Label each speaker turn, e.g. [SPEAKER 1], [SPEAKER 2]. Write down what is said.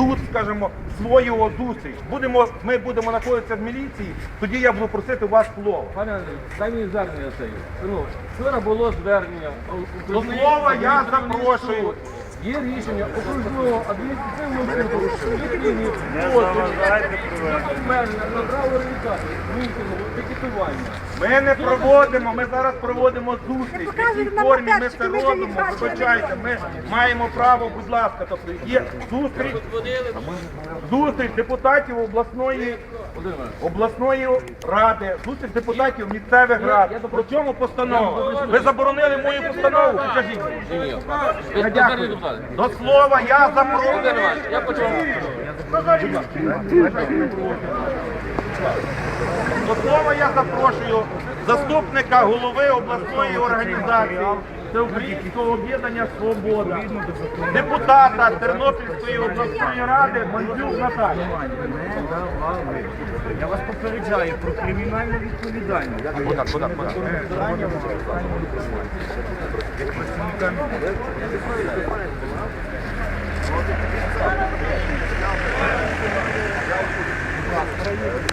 [SPEAKER 1] тут, скажімо, свою зустріч. Ми будемо знаходитися в міліції, тоді я буду просити вас слово.
[SPEAKER 2] Пане Андрій, дай мені звернення це. Ну, вчора було звернення.
[SPEAKER 1] До слова я запрошую.
[SPEAKER 2] Є рішення окружного адміністративного суду, на право реалізації мітингу, пікетування.
[SPEAKER 1] Ми не проводимо, ми зараз проводимо зустріч. В якій формі ми це робимо, вибачайте, ми маємо право, будь ласка, тобто є зустріч депутатів обласної ради, зустріч депутатів місцевих рад. Про чому постанова? Ви заборонили мою постанову? Покажіть. Я дякую. До слова я запрошую.
[SPEAKER 2] Я почув.
[SPEAKER 1] До слова я запрошую заступника голови обласної організації Всеукраїнського об'єднання «Свобода», депутата Тернопільської обласної ради Мандзюк Наталію.
[SPEAKER 3] Я вас попереджаю про кримінальну відповідальність. Як працівникам